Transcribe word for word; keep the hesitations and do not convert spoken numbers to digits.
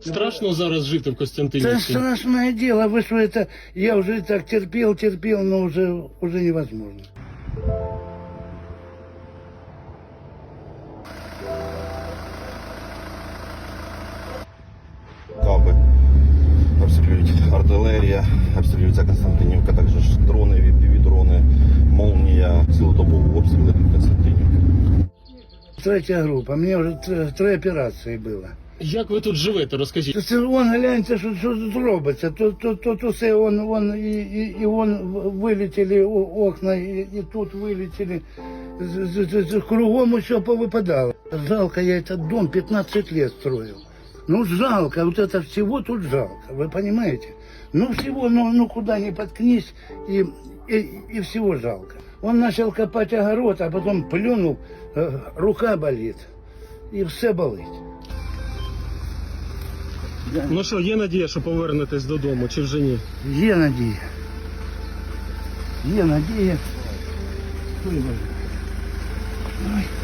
Страшно зараз жити в Это Костянтинівці? страшное дело, вы что это, я уже так терпел, терпел, но уже, уже невозможно. Каби обстрілюють артилерія, обстрілюється Константинівка, також ж дрони, півдрони, молнія, цілодобові обстріли Константинівки. Третья группа, мне уже три, три операции было. Як ви тут живете, розкажіть? Це он, гляньте, що, що тут робиться. Тут, тут, тут усе, он, он, і, і, і вон вилетіли о- окна, і, і тут вилетіли. З, з, з, з, кругом все повипадало. Жалко, я этот дом пятнадцать лет строил. Ну, жалко, вот это всего тут жалко, вы понимаете? Ну, всего, ну, ну куда ни подкнись, и, и, и всего жалко. Он начал копать огород, а потом плюнул, э, рука болит, и все болит. Ну що, є надія, що повернетесь додому, чи вже ні? Є надія. Є надія. Ой, Боже. Ой.